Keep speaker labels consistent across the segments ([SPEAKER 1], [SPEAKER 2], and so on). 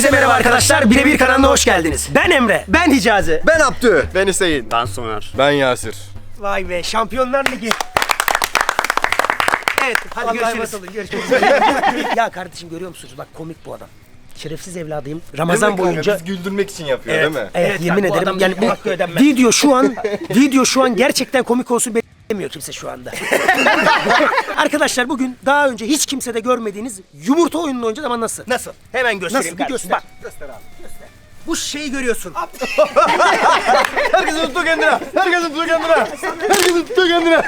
[SPEAKER 1] Herkese merhaba arkadaşlar. Birebir kanalına hoş geldiniz. Ben Emre. Ben Hicazi.
[SPEAKER 2] Ben Abdü. Ben Hüseyin.
[SPEAKER 3] Ben Soner.
[SPEAKER 2] Ben Yasir.
[SPEAKER 1] Vay be, Şampiyonlar Ligi. Evet, hadi görüşürüz. Ya kardeşim görüyor musunuz? Bak komik bu adam. Şerefsiz evladıyım. Ramazan boyunca
[SPEAKER 2] Biz güldürmek için yapıyor değil mi?
[SPEAKER 1] Evet, yemin ederim yani bu video şu an gerçekten komik olsun beklemiyor kimse şu anda. Arkadaşlar bugün daha önce hiç kimsede görmediğiniz yumurta oyununu oynayacağız ama nasıl?
[SPEAKER 3] Nasıl?
[SPEAKER 1] Hemen göstereyim.
[SPEAKER 3] Nasıl?
[SPEAKER 1] Bir göster.
[SPEAKER 3] Bak.
[SPEAKER 1] Göster abi. Göster. Bu şeyi görüyorsun.
[SPEAKER 2] Herkesin tuttuğu kendine. Herkesin tuttuğu kendine. Herkesin tuttuğu kendine.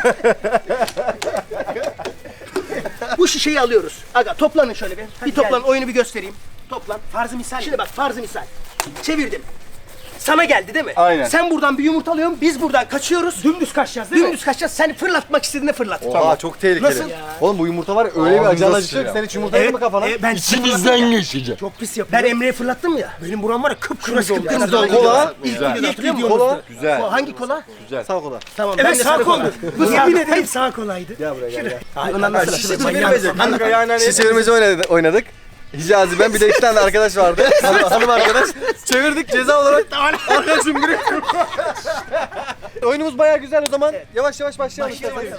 [SPEAKER 1] Bu şişeyi alıyoruz. Aga toplanın şöyle bir. Bir toplanın, oyunu bir göstereyim. Toplan. Farzı misal. Şimdi bak farzı misal. Çevirdim. Sana geldi değil mi?
[SPEAKER 2] Aynen.
[SPEAKER 1] Sen buradan bir yumurta alıyorsun, biz buradan kaçıyoruz. Dümdüz kaçacağız değil mi? Dümdüz kaçacağız. Sen fırlatmak istediğinde fırlat.
[SPEAKER 2] Oha çok tehlikeli.
[SPEAKER 1] Nasıl?
[SPEAKER 2] Oğlum bu yumurta var ya öyle bir acayip acıkacak. Sen hiç yumurta yedin mi kafana?
[SPEAKER 1] Ben
[SPEAKER 4] İçimizden geçecek.
[SPEAKER 1] çok pis yapıyorum. Ben Emre'ye fırlattım ya. Benim buram var ya kıpkırmızı oldu.
[SPEAKER 2] Kola.
[SPEAKER 1] İlk
[SPEAKER 2] Güzel.
[SPEAKER 1] videoda hatırlıyor musun?
[SPEAKER 2] Kola. Güzel.
[SPEAKER 1] Hangi kola?
[SPEAKER 2] Güzel. Sağ kola.
[SPEAKER 1] Tamam. Evet sağ koldu. Bu yemin ederim sağ kolaydı.
[SPEAKER 2] Gel buraya gel.
[SPEAKER 1] Ay ondan sonra
[SPEAKER 2] Şişe çevirmeci oynadık. Hicazi ben bir de iki tane arkadaş vardı. Hanım arkadaş. Çevirdik ceza olarak. Arkadaşım biri. Oyunumuz bayağı güzel o zaman. Yavaş yavaş başlayalım.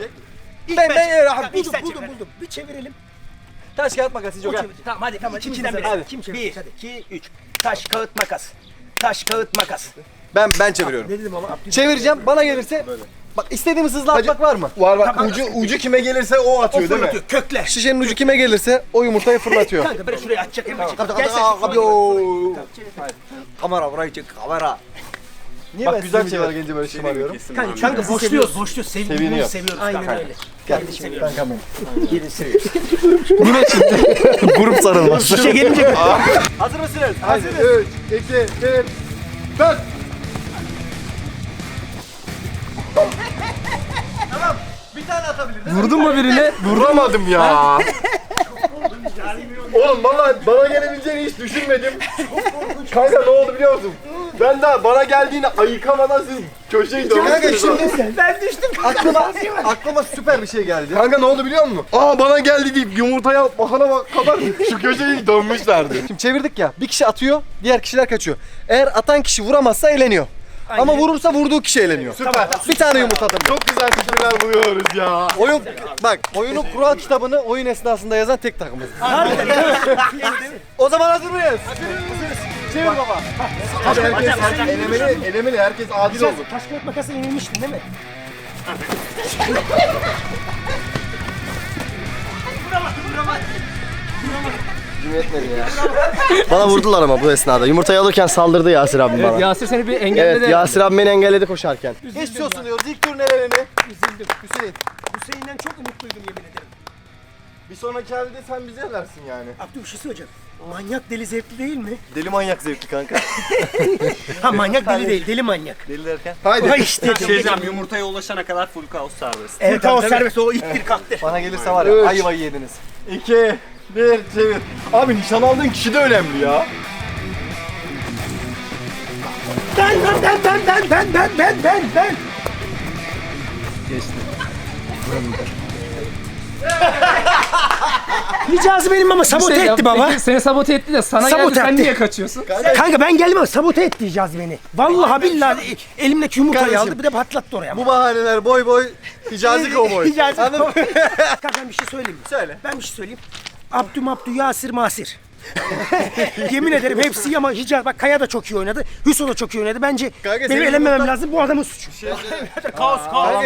[SPEAKER 1] buldum. Bir çevirelim.
[SPEAKER 2] Taş kağıt makas Hicazi.
[SPEAKER 1] Tamam hadi. İkimizden biri.
[SPEAKER 2] Hadi.
[SPEAKER 1] Kim çevirecek? 1, 2, 3. Taş, kağıt, makas. Taş, kağıt, makas.
[SPEAKER 2] Ben çeviriyorum.
[SPEAKER 1] Ne dedim ama?
[SPEAKER 2] Çevireceğim. Bana gelirse bak istediğimiz hızla atmak var mı? Var bak. Ucu kime gelirse o atıyor değil mi?
[SPEAKER 1] Fırlatıyor, kökle.
[SPEAKER 2] Şişenin ucu kime gelirse o yumurtayı fırlatıyor.
[SPEAKER 1] Kanka böyle şuraya atacak Emre.
[SPEAKER 2] Abi o. Kamera burayı çek kamera. Niye bak güzel şeyler gelince böyle şımarıyorum.
[SPEAKER 1] Kanka boşluyoruz.
[SPEAKER 2] Seviniyor.
[SPEAKER 1] Seviyoruz. Aynen öyle.
[SPEAKER 2] Kardeşim kankam benim.
[SPEAKER 1] Gelin seviyoruz.
[SPEAKER 2] Grup sarılması.
[SPEAKER 1] Şişe gelince
[SPEAKER 2] Hazır mısınız? Hazırız. 3, 2, 1, 4. Tamam. Bir tane atabiliriz.
[SPEAKER 4] Vurdun mu birine?
[SPEAKER 2] Vuramadım ya. Oğlum bana gelebileceğini hiç düşünmedim. Kanka ne oldu biliyor musun? Ben daha bana geldiğini ayıkamadan siz köşeyi dönmüşsünüz. Kanka şimdi
[SPEAKER 1] ben düştüm.
[SPEAKER 2] aklıma süper bir şey geldi. Kanka ne oldu biliyor musun? Aa bana geldi deyip yumurtaya bakana kadar şu köşeyi dönmüşlerdi. Şimdi çevirdik ya, bir kişi atıyor, diğer kişiler kaçıyor. Eğer atan kişi vuramazsa eğleniyor. Ama vurursa vurduğu kişi eğleniyor. Süper. Bir tane yumurta atabiliyor. Çok güzel fikirler buluyoruz ya. Oyunun kural kitabını oyun esnasında yazan tek takımız. O zaman hazır mıyız? Hazırız. Çevir baba. Hadi herkes elemeli, herkes adil olsun.
[SPEAKER 1] Taş kağıt makası yenilmiştin değil mi?
[SPEAKER 2] Bana vurdular ama bu esnada. Yumurtayı alırken saldırdı Yasir abim bana.
[SPEAKER 4] Yasir seni bir engelledi.
[SPEAKER 2] Evet, Yasir abim beni engelledi koşarken. Geçmiş olsun diyoruz. İlk tur nerelerini?
[SPEAKER 1] Üzüldüm.
[SPEAKER 2] Hüseyin.
[SPEAKER 1] Hüseyin'den çok umutluydum yemin ederim.
[SPEAKER 2] Bir sonraki halde sen bize versin yani.
[SPEAKER 1] Abdü bir şey söyleyeceğim. Manyak deli zevkli değil mi?
[SPEAKER 2] Deli manyak zevkli kanka.
[SPEAKER 1] Ha manyak deli değil, deli manyak.
[SPEAKER 2] Deli derken?
[SPEAKER 1] Haydi. işte.
[SPEAKER 3] Yumurtaya ulaşana kadar full kaos serbest.
[SPEAKER 1] Evet kaos serbest o ittir kalktır.
[SPEAKER 2] Bana gelirse var ya ayvayı yediniz. 2, 1, çevir. Abi nişan aldığın kişi de önemli ya.
[SPEAKER 1] Ben. Hicazi benim ama sabote etti baba.
[SPEAKER 4] Peki, seni sabote etti de sana
[SPEAKER 1] Sabote
[SPEAKER 4] geldi sen
[SPEAKER 1] etti.
[SPEAKER 4] niye kaçıyorsun?
[SPEAKER 1] Kanka ben geldim ama sabote etti Hicazi beni. Vallahi billahi elimdeki yumurtayı
[SPEAKER 2] Kardeşim,
[SPEAKER 1] aldı bir de patlattı oraya.
[SPEAKER 2] Bu bahaneler boy Hicazi kovboy.
[SPEAKER 1] Hicazi
[SPEAKER 2] Anladın mı?
[SPEAKER 1] Kanka ben bir şey söyleyeyim mi?
[SPEAKER 2] Söyle.
[SPEAKER 1] Ben bir şey söyleyeyim. Abdü, Yasir, Masir. Yemin ederim hepsi ama Hicazi bak Kaya da çok iyi oynadı. Hüso da çok iyi oynadı. Bence
[SPEAKER 2] Kanka,
[SPEAKER 1] benim
[SPEAKER 2] senin
[SPEAKER 1] elenmemem
[SPEAKER 2] yumurtan-
[SPEAKER 1] lazım. Bu adamın suçu.
[SPEAKER 3] Kaos.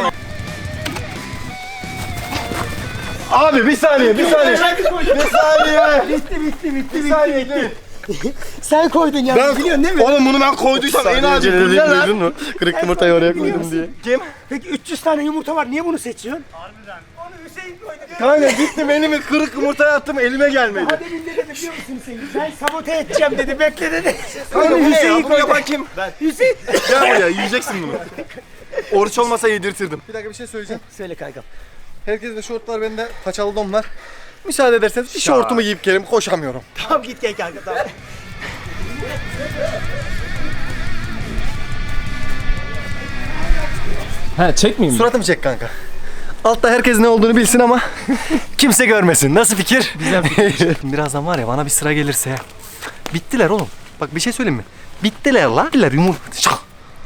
[SPEAKER 2] Abi bir saniye. Bir saniye.
[SPEAKER 1] Bitti. Sen koydun ya. Biliyorsun değil mi?
[SPEAKER 2] Oğlum bunu ben koyduysam en acil bu ne lan? Mu? Kırık yumurtayı oraya koydum diye.
[SPEAKER 1] Kim? Peki 300 tane yumurta var. Niye bunu seçiyorsun? Harbiden. Onu Hüseyin koydu.
[SPEAKER 2] Kanka gittim elimi kırık yumurtaya attım elime gelmedi.
[SPEAKER 1] Hadi ne dedi biliyor musun Hüseyin? Ben sabote edeceğim dedi. Bekle dedi.
[SPEAKER 2] Kanka
[SPEAKER 1] Onu
[SPEAKER 2] bu ne ya?
[SPEAKER 1] Hüseyin
[SPEAKER 2] Bunu
[SPEAKER 1] koydu.
[SPEAKER 2] yapan kim?
[SPEAKER 1] Hüseyin.
[SPEAKER 2] Gel buraya yiyeceksin bunu. Oruç olmasa yedirtirdim. Bir dakika bir şey söyleyeceğim.
[SPEAKER 1] Söyle kankam.
[SPEAKER 2] Herkes de şort var bende paçalı don var. Müsaade ederseniz bir şortumu giyip gelip koşamıyorum.
[SPEAKER 1] Tamam git gel kanka tamam.
[SPEAKER 4] He çekmeyeyim mi?
[SPEAKER 2] Suratımı çek kanka. Altta herkes ne olduğunu bilsin ama kimse görmesin. Nasıl fikir? Güzel fikir. Birazdan var ya bana bir sıra gelirse Bittiler oğlum. Bak bir şey söyleyeyim mi? Bittiler lan. Bittiler yumurta. Şak.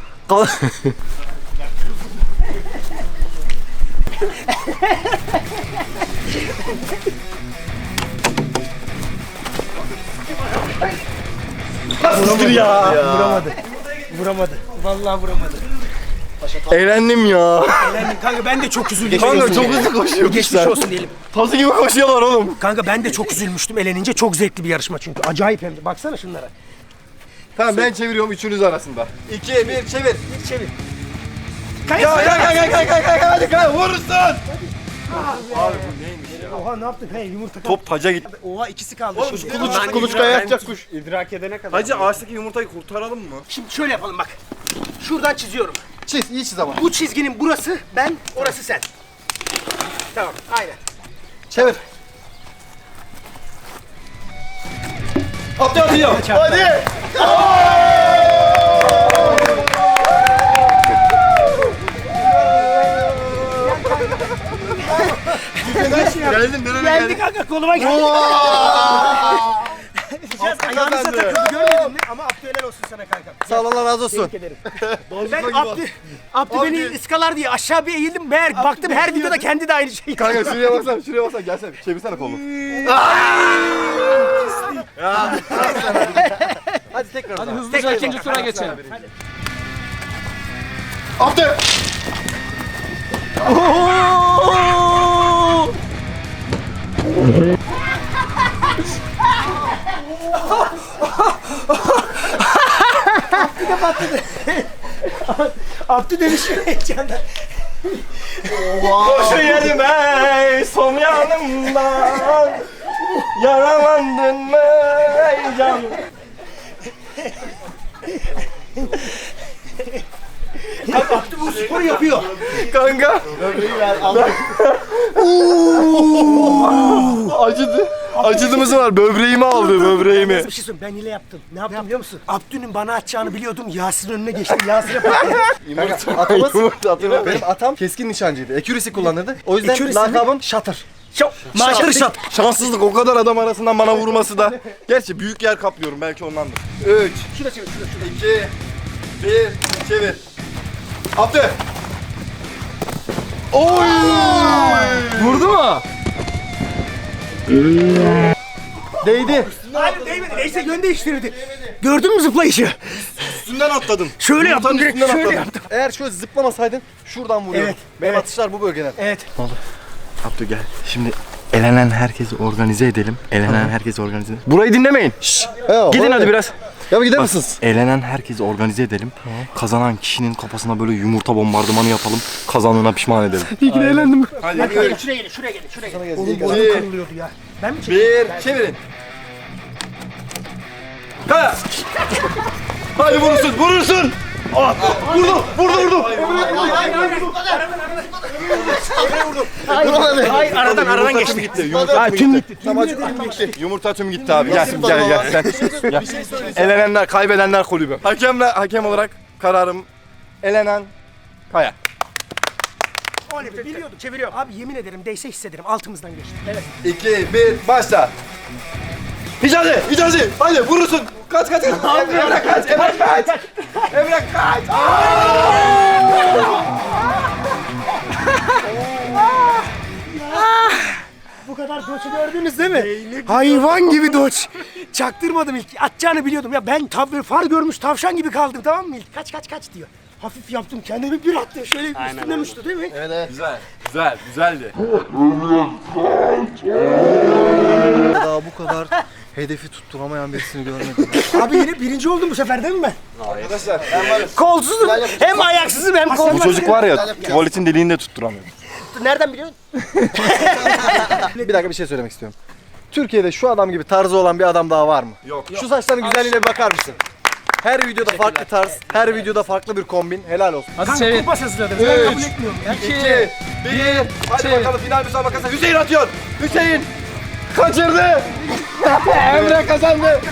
[SPEAKER 1] Vuramadı. Vallahi vuramadı.
[SPEAKER 2] Eğlendim ya.
[SPEAKER 1] Elendim. Kanka ben de çok üzüldüm.
[SPEAKER 2] Kanka çok hızlı koşuyor.
[SPEAKER 1] Geçmiş olsun diyelim.
[SPEAKER 2] Tazı gibi koşuyorlar oğlum.
[SPEAKER 1] Kanka ben de çok üzülmüştüm elenince. Çok zevkli bir yarışma çünkü. Acayip hem de. Baksana şunlara.
[SPEAKER 2] Tamam ben çeviriyorum üçünüz arasında. 2, 1 çevir.
[SPEAKER 1] Çevir.
[SPEAKER 2] Ya hadi vurursun.
[SPEAKER 1] Oha ne yaptın? Hey yumurta.
[SPEAKER 2] Top taca gitti.
[SPEAKER 1] Oha ikisi kaldı.
[SPEAKER 2] Kuluçkaya yatacak kuş.
[SPEAKER 3] İdrak edene kadar.
[SPEAKER 2] Hacı ağaçtaki yumurtayı kurtaralım mı?
[SPEAKER 1] Şimdi şöyle yapalım bak. Şuradan çiziyorum.
[SPEAKER 2] Çiz, iyi çiz ama.
[SPEAKER 1] Bu çizginin burası ben, orası sen. Tamam, aynen.
[SPEAKER 2] Çevir. Atıyor. Hadi. Geldin nereye
[SPEAKER 1] Geldi
[SPEAKER 2] geldin?
[SPEAKER 1] kanka koluma geldi. Biraz ayağınıza takıldı görmedin mi? Ama Abdü helal olsun sana kanka.
[SPEAKER 2] Sağ ol Allah razı olsun.
[SPEAKER 1] Tebrik ederim. Ben Abdü beni ıskalar diye aşağı bir eğildim. Meğer baktım her videoda kendi de aynı şeyi.
[SPEAKER 2] Kanka şuraya baksana gelsene çevirsene kolunu. Hadi tekrar.
[SPEAKER 4] Hadi hızlıca ikinci tura geçelim.
[SPEAKER 2] Abdü.
[SPEAKER 1] Abdü demiş heyecanda.
[SPEAKER 2] Koşu yedim ey son yanımdan. Yaralandın mı ey can?
[SPEAKER 1] Abdü bu sporu yapıyor.
[SPEAKER 2] Kanka. Acıdı. Acıdığımız var. Böbreğimi aldı böbreğimi.
[SPEAKER 1] Bir şey söyleyeyim ben hile yaptım. Ne yaptım biliyor musun? Abdü'nün bana atacağını biliyordum. Yasir'in önüne geçtim. Yasir'e patladım.
[SPEAKER 2] Atamız, benim atam keskin nişancıydı. Accuracy kullanırdı. O yüzden
[SPEAKER 1] Accuracy mi?
[SPEAKER 2] lakabım Shutter.
[SPEAKER 1] Maşallah şat.
[SPEAKER 2] Şanssızlık o kadar adam arasından bana vurması da. Gerçi büyük yer kaplıyorum belki ondandır. 3,
[SPEAKER 1] Şurada çevir.
[SPEAKER 2] 2, 1, çevir. Abdü. Oy!
[SPEAKER 4] Vurdu mu?
[SPEAKER 2] Değdi.
[SPEAKER 1] Hayır değmedi. Neyse yön değiştirdi. Gördün mü zıplayışı?
[SPEAKER 2] Üstünden atladın.
[SPEAKER 1] Şöyle yaptım direkt.
[SPEAKER 2] Üstünden
[SPEAKER 1] Şöyle
[SPEAKER 2] atladın.
[SPEAKER 1] yaptım.
[SPEAKER 2] Eğer şöyle zıplamasaydın şuradan vuruyordun.
[SPEAKER 1] Evet,
[SPEAKER 2] Benim
[SPEAKER 1] evet.
[SPEAKER 2] atışlar bu bölgeden.
[SPEAKER 1] Evet.
[SPEAKER 5] Abdü gel. Şimdi elenen herkesi organize edelim. Elenen herkesi organize edelim. Burayı dinlemeyin. Gidin hadi biraz.
[SPEAKER 2] Ya bir gider misiniz?
[SPEAKER 5] Elenen herkesi organize ededim. Kazanan kişinin kafasına böyle yumurta bombardımanı yapalım. Kazanına pişman edelim.
[SPEAKER 2] İyi ki de eğlendim.
[SPEAKER 1] Hadi
[SPEAKER 2] Hadi
[SPEAKER 1] gelin şuraya gelin. Şuraya gelin. Şuraya gelin. Oğlum bu
[SPEAKER 2] Bir.
[SPEAKER 1] kırılıyordu ya. Ben mi çekeyim?
[SPEAKER 2] Bir, çevirin. Kaya. Hadi vurursun, vurursun. Vurdu.
[SPEAKER 1] Hayır aradan geçti.
[SPEAKER 2] Gitti. Yumurta tüm gitti. Yumurta tüm gitti abi. Gel sen. Gel. Elenenler, kaybedenler kulübü. Hakem olarak kararım elenen Kaya.
[SPEAKER 1] Oley biliyordum. Çeviriyorum. Abi yemin ederim değse hissederim. Altımızdan geçti. Evet.
[SPEAKER 2] 2, 1, başla. Hicazi. Hadi vurursun. Kaç. Emre kaç.
[SPEAKER 1] Bu kadar doçu gördünüz değil mi? Hayvan gibi doç. Çaktırmadım ilk. Atacağını biliyordum. Ya ben far görmüş tavşan gibi kaldım tamam mı ilk? Kaç diyor. Hafif yaptım kendimi bir attım. Şöyle üstünden uçtu değil mi?
[SPEAKER 2] Evet.
[SPEAKER 5] Güzeldi.
[SPEAKER 2] Daha bu kadar hedefi tutturamayan birisini görmedim.
[SPEAKER 1] Abi yine birinci oldum bu sefer değil mi ben?
[SPEAKER 2] Arkadaşlar ben varım.
[SPEAKER 1] Kolsuzum. Hem ayaksızım hem
[SPEAKER 5] Bu
[SPEAKER 1] kolsuzum.
[SPEAKER 5] çocuk var ya tuvaletin deliğini de tutturamıyor.
[SPEAKER 1] Nereden biliyorsun?
[SPEAKER 2] Bir dakika bir şey söylemek istiyorum. Türkiye'de şu adam gibi tarzı olan bir adam daha var mı? Yok. Şu saçların güzelliğine bir bakar mısın? Her videoda farklı tarz, her videoda farklı bir kombin. Helal olsun.
[SPEAKER 4] Hadi
[SPEAKER 1] Kanka
[SPEAKER 4] çevir.
[SPEAKER 1] kumpas hazırladım. Ben kabul etmiyorum ya.
[SPEAKER 2] 2, 1, hadi
[SPEAKER 4] çevir.
[SPEAKER 2] bakalım final müsabakası. Hüseyin atıyor. Hüseyin kaçırdı. Emre kazandı.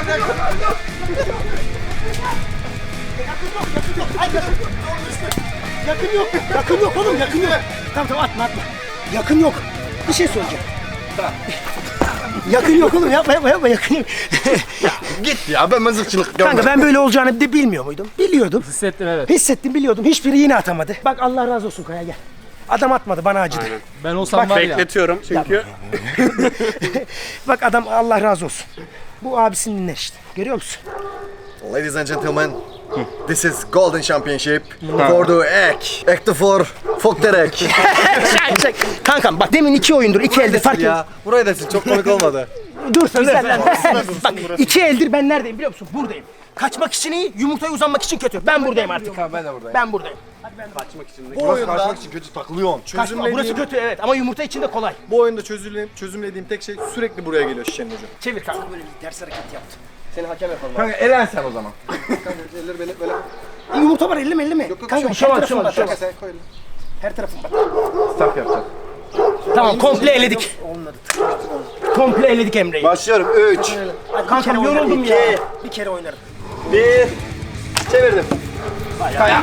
[SPEAKER 1] Yakın yok oğlum yakın yok. Tamam atma. Yakın yok. Bir şey söyleyeceğim. Yakın yok oğlum, yapma yakın yok.
[SPEAKER 2] Git ya, ben mızıkçılık
[SPEAKER 1] Kanka ben böyle olacağını de bilmiyor muydum? Biliyordum.
[SPEAKER 4] Hissettim evet.
[SPEAKER 1] Hissettim, biliyordum. Hiçbiri yine atamadı. Bak Allah razı olsun Kaya, gel. Adam atmadı, bana acıdı.
[SPEAKER 4] Ben olsam var ya.
[SPEAKER 3] Bekletiyorum çünkü.
[SPEAKER 1] Bak adam, Allah razı olsun. Bu abisini dinler işte. Görüyor musun?
[SPEAKER 2] Ladies and gentlemen, this is Golden Championship for the egg. Egg the for fuck the egg.
[SPEAKER 1] Kankam bak, demin 2 oyundur, 2 eldir fark yok.
[SPEAKER 2] Ya burayı da sil, çok komik olmadı.
[SPEAKER 1] Dur sen lan. Bak 2 eldir ben neredeyim biliyor musun? Buradayım. Kaçmak için iyi, yumurtaya uzanmak için kötü. Ben buradayım artık.
[SPEAKER 2] Ben de buradayım.
[SPEAKER 1] Ben buradayım.
[SPEAKER 2] Bu oyunda kaçmak için kötü takılıyorsun.
[SPEAKER 1] Kaçma, burası kötü evet ama yumurta için de kolay.
[SPEAKER 2] Bu oyunda çözümlediğim tek şey sürekli buraya geliyor şişenin ucu.
[SPEAKER 1] Çevir kanka, böyle bir ters hareket yaptı. Seni hakem yapalım.
[SPEAKER 2] Kanka elen sen o zaman. Kanka elleri böyle.
[SPEAKER 1] Yumurta var, elleme. Kanka
[SPEAKER 4] bir şey
[SPEAKER 1] her
[SPEAKER 4] olmaz,
[SPEAKER 1] tarafım
[SPEAKER 4] bir şey
[SPEAKER 1] bak.
[SPEAKER 2] Sen koy elini.
[SPEAKER 1] Her tarafım bak.
[SPEAKER 2] Stop yapacağız.
[SPEAKER 1] Tamam, komple eledik. Olmadı. Komple eledik Emre'yi.
[SPEAKER 2] Başlıyorum. 3,
[SPEAKER 1] Kankam yoruldum ya. Bir kere oynarım.
[SPEAKER 2] 1, çevirdim.
[SPEAKER 1] Kaya.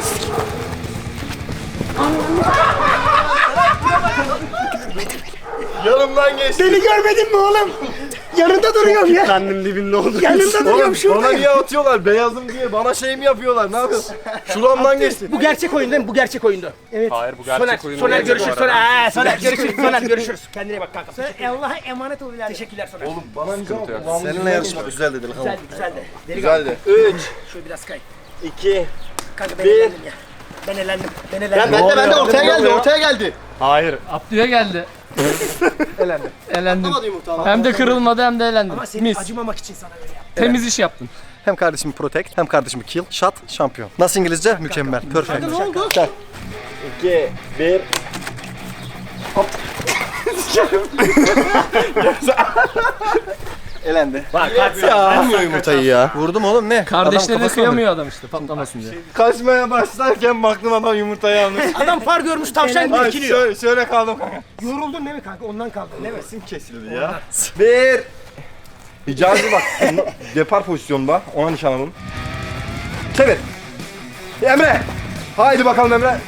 [SPEAKER 2] Yanımdan geçti.
[SPEAKER 1] Beni görmedin mi oğlum? Yanında duruyorum ya.
[SPEAKER 3] Kendim dibinde oldum.
[SPEAKER 1] Yanında duruyorum şurada.
[SPEAKER 2] Bana niye atıyorlar? Beyazım diye bana şey mi yapıyorlar? Ne yapıyorsun? Şuramdan geçti.
[SPEAKER 1] Bu gerçek oyun değil mi? Bu gerçek oyundu. Evet.
[SPEAKER 3] Hayır bu gerçek oyun.
[SPEAKER 1] Soner
[SPEAKER 3] değil.
[SPEAKER 1] görüşürüz. Soner görüşürüz. Soner görüşürüz. Kendine bak kanka. Allah'a emanet ol. Teşekkürler Soner. Oğlum
[SPEAKER 2] Bana seninle yarışmak güzel dedi.
[SPEAKER 1] güzeldi.
[SPEAKER 2] Güzeldi. 3,
[SPEAKER 1] Şöyle biraz kay.
[SPEAKER 2] 2,
[SPEAKER 1] Kanka ben elendim ya. Ben elendim.
[SPEAKER 2] ben de ortaya geldi.
[SPEAKER 3] Hayır.
[SPEAKER 4] Abdü'ye geldi.
[SPEAKER 2] Elendi.
[SPEAKER 4] Elendim. Hem de kırılmadı hem de elendim.
[SPEAKER 1] Ama seni
[SPEAKER 4] Mis.
[SPEAKER 1] acımamak için sana böyle yaptım.
[SPEAKER 4] Temiz iş yaptın.
[SPEAKER 2] Hem kardeşimi protect, hem kardeşimi kill, shot, şampiyon. Nasıl İngilizce? Mükemmel. Perfect.
[SPEAKER 1] Ne oldu?
[SPEAKER 2] 2, 1. Elendi.
[SPEAKER 1] Bak
[SPEAKER 2] Vurmuyor yumurtayı ya. Vurdum oğlum ne?
[SPEAKER 4] Kardeşlerine kıyamıyor adam işte patlamasın diye.
[SPEAKER 2] Kaçmaya başlarken baktım adam yumurtayı almış.
[SPEAKER 1] adam far görmüş tavşan gibi ikiliyor.
[SPEAKER 2] Şöyle kaldım kanka.
[SPEAKER 1] Yoruldun değil mi kanka? Ondan kaldın değil mi?
[SPEAKER 2] Sim kesildi ya. 1. Hicazi bak. Depar pozisyonda. Ona nişan alın. Çevir. Emre. Haydi bakalım Emre.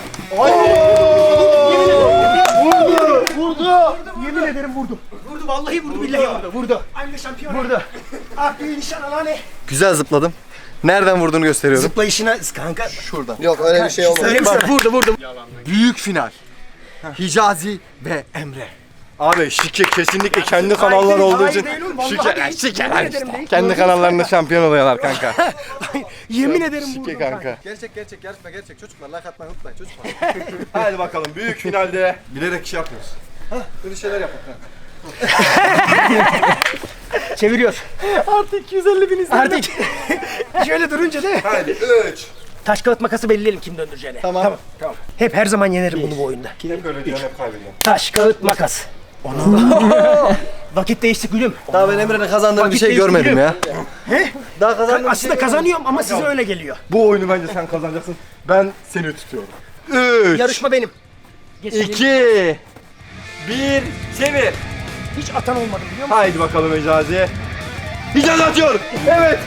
[SPEAKER 1] Vurdu. Yemin ederim vurdum. Vurdu vallahi vurdu billahi vurdu. Aynı şampiyon. Vurdu. Akbil nişan alane.
[SPEAKER 2] Güzel zıpladım. Nereden vurduğunu gösteriyorum.
[SPEAKER 1] Zıplayışına kanka.
[SPEAKER 2] Şuradan. Yok öyle bir şey olmadı.
[SPEAKER 1] Söylemişler vurdu.
[SPEAKER 2] Büyük final. Hicazi ve Emre. Abi şike kesinlikle kendi kanallar olduğu için kendi kanallarında şampiyon oluyorlar kanka.
[SPEAKER 1] Yemin ederim
[SPEAKER 2] Şike
[SPEAKER 1] vurdum
[SPEAKER 2] kanka. Gerçek gerçek çocuklar like atmayı unutmayın çocuklar. Hadi bakalım büyük finalde bilerek şey yapıyoruz. Böyle şeyler yapın kanka.
[SPEAKER 1] Çeviriyor. Artık 250 bin izledim. Artık şöyle durunca değil mi?
[SPEAKER 2] Hadi 3.
[SPEAKER 1] Taş kağıt makası belirleyelim kim döndüreceğini. Tamam. Hep her zaman yenerim bunu bu oyunda.
[SPEAKER 2] Hep öyle diyorsun hep kaybediyorsun.
[SPEAKER 1] Taş kağıt makas. Vakit değişti gülüm.
[SPEAKER 2] Daha ben Emre'nin kazandığını bir
[SPEAKER 1] Vakit
[SPEAKER 2] şey
[SPEAKER 1] değişti
[SPEAKER 2] görmedim
[SPEAKER 1] gülüm.
[SPEAKER 2] ya. Daha kazandığım
[SPEAKER 1] Aslında kazanıyorum ama size öyle geliyor.
[SPEAKER 2] Bu oyunu bence sen kazanacaksın. Ben seni tutuyorum. 3,
[SPEAKER 1] Yarışma benim.
[SPEAKER 2] 2, 1, çevir.
[SPEAKER 1] Hiç atan olmadı biliyor musun?
[SPEAKER 2] Haydi bakalım Hicazi. Hicazi atıyor. Evet.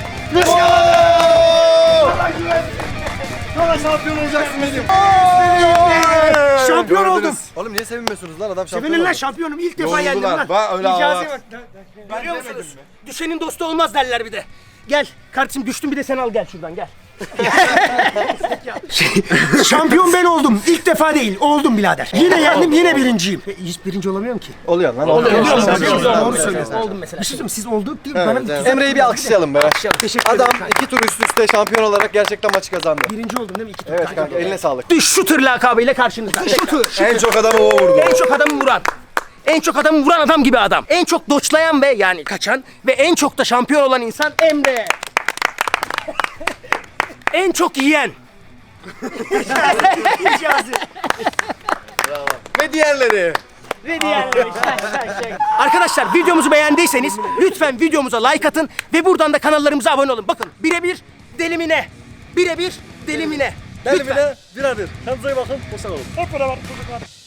[SPEAKER 2] Sonra şampiyon olacaksın dedim.
[SPEAKER 1] Şampiyon oldum.
[SPEAKER 2] Oğlum niye sevinmiyorsunuz lan adam şampiyon
[SPEAKER 1] Sevinin lan
[SPEAKER 2] oldu.
[SPEAKER 1] şampiyonum. İlk defa
[SPEAKER 2] Yoruldular.
[SPEAKER 1] yendim lan.
[SPEAKER 2] Bak öyle
[SPEAKER 1] Hicazi
[SPEAKER 2] ağlar.
[SPEAKER 1] bak. Görüyor musunuz? Düşenin dostu olmaz derler bir de. Gel kardeşim, düştüm bir de sen al gel şuradan gel. Şampiyon ben oldum. İlk defa değil. Oldum birader. Yine yendim, yine birinciyim. Hiç birinci olamıyorum ki.
[SPEAKER 2] Oluyor lan.
[SPEAKER 1] Doğru söylüyorsun. Oldum mesela. Bir şey söyleyeyim, siz olduk değil mi? Bana
[SPEAKER 2] Emre'yi bir alkışlayalım be.
[SPEAKER 1] teşekkür
[SPEAKER 2] Adam
[SPEAKER 1] ederim.
[SPEAKER 2] 2 tur üst üste şampiyon olarak gerçekten maçı kazandı.
[SPEAKER 1] Birinci oldum değil mi? İki tur.
[SPEAKER 2] Evet kanka eline sağlık.
[SPEAKER 1] Shooter lakabıyla karşınızda. Shooter.
[SPEAKER 2] En çok adamı o vurdu.
[SPEAKER 1] En çok adamı vuran. En çok adamı vuran adam gibi adam. En çok doçlayan ve yani kaçan ve en çok da şampiyon olan insan Emre. En çok yiyen.
[SPEAKER 2] Ve diğerleri.
[SPEAKER 1] Ve diğerleri. Arkadaşlar videomuzu beğendiyseniz lütfen videomuza like atın ve buradan da kanallarımıza abone olun. Bakın birebir delimine. Birebir delimine.
[SPEAKER 2] Delimine bir adır. Kendinize iyi bakın. Hoşçakalın.
[SPEAKER 1] Hep beraber çocuklar.